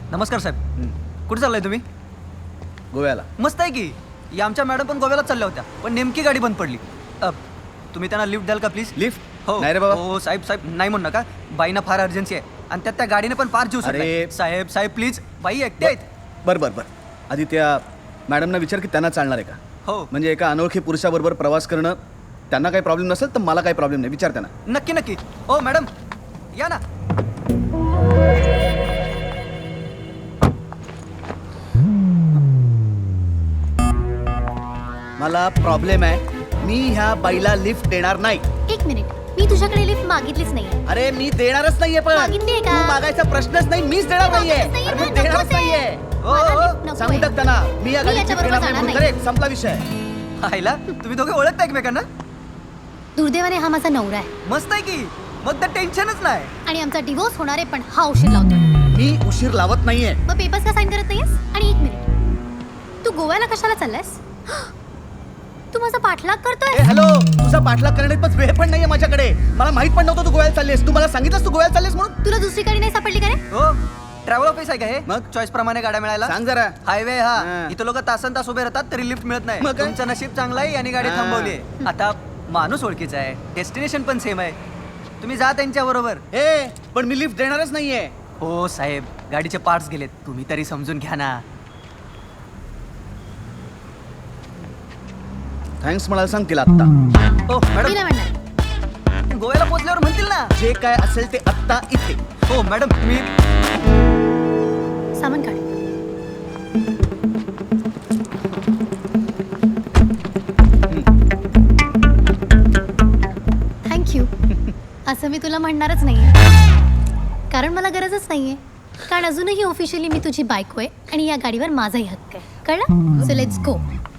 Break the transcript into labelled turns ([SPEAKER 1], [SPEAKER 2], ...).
[SPEAKER 1] नमस्कार साहेब. कुठे चाललाय तुम्ही?
[SPEAKER 2] गोव्याला.
[SPEAKER 1] मस्त आहे की. या आमच्या मॅडम पण गोव्याला चालल्या होत्या, पण नेमकी गाडी बंद पडली. तुम्ही त्यांना लिफ्ट द्याल का प्लीज?
[SPEAKER 2] लिफ्ट?
[SPEAKER 1] हो
[SPEAKER 2] नाही रे बाबा.
[SPEAKER 1] हो साहेब साहेब नाही म्हणू नका. बाईना फार अर्जन्सी आहे आणि त्यात त्या गाडीने पण फार जीव सोडलाय.
[SPEAKER 2] अरे.
[SPEAKER 1] साहेब साहेब प्लीज, बाई एकटे आहेत.
[SPEAKER 2] बर आधी त्या मॅडमना विचार की त्यांना चालणार आहे का.
[SPEAKER 1] हो
[SPEAKER 2] म्हणजे एका अनोळखी पुरुषाबरोबर प्रवास करणं त्यांना काही प्रॉब्लेम नसेल तर मला काही प्रॉब्लेम नाही. विचार त्यांना.
[SPEAKER 1] नक्की नक्की. हो मॅडम या ना.
[SPEAKER 2] मला प्रॉब्लेम आहे. मी ह्या बाईला लिफ्ट देणार नाही.
[SPEAKER 3] एक मिनिट, मी तुझ्याकडे लिफ्ट मागितलीच नाहीये.
[SPEAKER 2] अरे मी देणारच नाहीये. पण
[SPEAKER 3] मागितलीये का?
[SPEAKER 2] तू मागायचा प्रश्नच नाही. मीच देणार नाहीये.
[SPEAKER 3] मागितलीच
[SPEAKER 2] अरे मी
[SPEAKER 3] नाहीये,
[SPEAKER 2] देणारच
[SPEAKER 3] नकोच आहे.
[SPEAKER 2] नाहीये.
[SPEAKER 3] मला
[SPEAKER 1] हो,
[SPEAKER 3] lift नकोय.
[SPEAKER 2] सांगू टाक त्यांना मी या
[SPEAKER 3] मी
[SPEAKER 2] गाडीत
[SPEAKER 3] याच्याबरोबर
[SPEAKER 2] देणार
[SPEAKER 3] जाणार
[SPEAKER 2] नाही.
[SPEAKER 3] नाही.
[SPEAKER 2] करेक्ट, संपला विषय.
[SPEAKER 1] आईला तुम्ही दोघे ओळखता एकमेकांना?
[SPEAKER 3] दुर्दैवाने हा माझा नवरा आहे
[SPEAKER 1] मस्त आहे की. मग तर टेन्शनच नाही.
[SPEAKER 3] आणि आमचा डिवोर्स होणार आहे, पण हा उशीर लावतो.
[SPEAKER 2] मी उशीर लावत नाहीये.
[SPEAKER 3] मग पेपर्स का साईन करत नाहीयेस? आणि एक मिनिट, तू गोव्याला कशाला चाललायस? तू माझा पाठलाग करतोय?
[SPEAKER 2] हॅलो, तुझा पाठलाग करण्यात पण वेळ पण नाहीये माझ्याकडे. मला माहित पण नव्हतं तू गोव्याला चाललीस. तू मला सांगितलंस तू गोव्याला चाललीस म्हणून.
[SPEAKER 3] तुला दुसरी गाडी नाही सापडली का रे?
[SPEAKER 1] हो ट्रॅव्हल ऑफिस आहे का हे?
[SPEAKER 2] मग?
[SPEAKER 1] चॉईस प्रमाणे गाड्या मिळायला.
[SPEAKER 2] सांग जरा.
[SPEAKER 1] हायवे हा.
[SPEAKER 2] हा.
[SPEAKER 1] इथं लोक तासन तास उभे राहतात तरी लिफ्ट मिळत नाही.
[SPEAKER 2] मग काय?
[SPEAKER 1] तुमचं नशीब चांगलं आहे यांनी गाडी
[SPEAKER 2] हा.
[SPEAKER 1] थांबवली आहे. आता माणूस ओळखीचा आहे, डेस्टिनेशन पण सेम आहे. तुम्ही जा त्यांच्या बरोबर.
[SPEAKER 2] हे पण मी लिफ्ट देणारच नाहीये.
[SPEAKER 1] हो साहेब, गाडीचे पार्ट्स गेलेत, तुम्ही तरी समजून घ्या ना.
[SPEAKER 2] थँक्स म्हणायला सांग तिला आत्ता.
[SPEAKER 1] हो
[SPEAKER 3] मी
[SPEAKER 1] मॅडम,
[SPEAKER 3] नाही म्हणणार.
[SPEAKER 1] गोव्याला पोहोचल्यावर म्हणतील ना.
[SPEAKER 2] जे काय असेल ते आत्ता इथे.
[SPEAKER 1] हो मॅडम, तुम्ही
[SPEAKER 3] सामान काढ. थँक्यू. असं मी तुला म्हणणारच नाहीये, कारण मला गरजच नाहीये. कारण अजूनही ऑफिशियली मी तुझी बायको आहे आणि या गाडीवर माझाही हक्क आहे. कळलं? So let's go.